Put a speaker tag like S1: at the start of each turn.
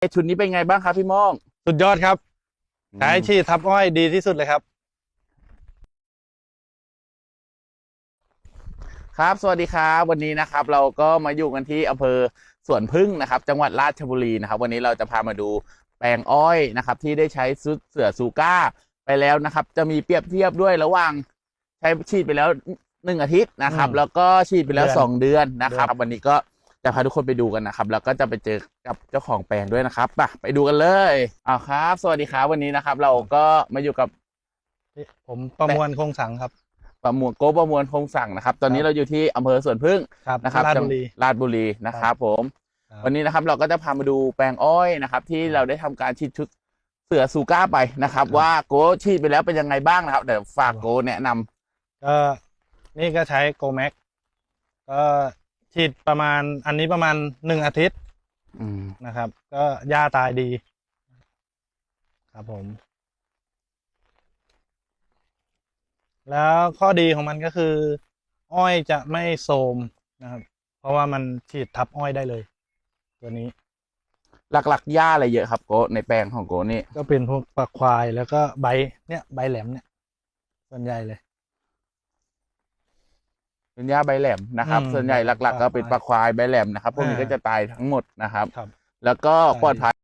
S1: ชุดนี้เป็นไงบ้างครับพี่โม่ง
S2: สุดยอดครับใช้ฉีดทับอ้อยดีที่สุดเลยครับ
S1: ครับสวัสดีครับวันนี้นะครับเราก็มาอยู่กันที่อำเภอสวนพึ่งนะครับจังหวัดราชบุรีนะครับวันนี้เราจะพามาดูแปลงอ้อยนะครับที่ได้ใช้เสือซูก้าไปแล้วนะครับจะมีเปรียบเทียบด้วยระหว่างใช้ฉีดไปแล้ว1 อาทิตย์นะครับแล้วก็ฉีดไปแล้ว2 เดือนนะครับวันนี้ก็จะพาทุกคนไปดูกันนะครับแล้วก็จะไปเจอกับเจ้าของแปลงด้วยนะครับไปดูกันเลยครับสวัสดีครับวันนี้นะครับเราก็มาอยู่กับ
S2: ผมประมวลคงสังครับ
S1: ประมวลคงสั่งนะครับตอนนี้เราอยู่ที่อำเภอสวนพึ่งนะครับ
S2: ราชบุรี
S1: นะครับผมวันนี้นะครับเราก็จะพามาดูแปลงอ้อยนะครับที่เราได้ทำการฉีดชุดเสือซูก้าไปนะครับว่าโกฉีดไปแล้วเป็นยังไงบ้างนะครับเดี๋ยวฝากโกแนะนำ
S2: ก็นี่ก็ใช้โกแม็กก็ฉีดประมาณอันนี้ประมาณ1 อาทิตย์นะครับก็หญ้าตายดีครับผมแล้วข้อดีของมันก็คืออ้อยจะไม่โทรมนะครับเพราะว่ามันฉีดทับอ้อยได้เลยตัวนี้
S1: หลักๆหญ้าอะไรเยอะครับโกในแปลงของโกนี่
S2: ก็เป็นพวกปลาควายแล้วก็ใบแหลมเนี่ยส่วนใหญ่เลย
S1: เป็นหญ้าใบแหลมนะครับส่วนใหญ่หลักๆก็เป็นปลาควายใบแหลมนะครับพวกนี้ก็จะตายทั้งหมดนะครับแล้วก็ปลอดภัย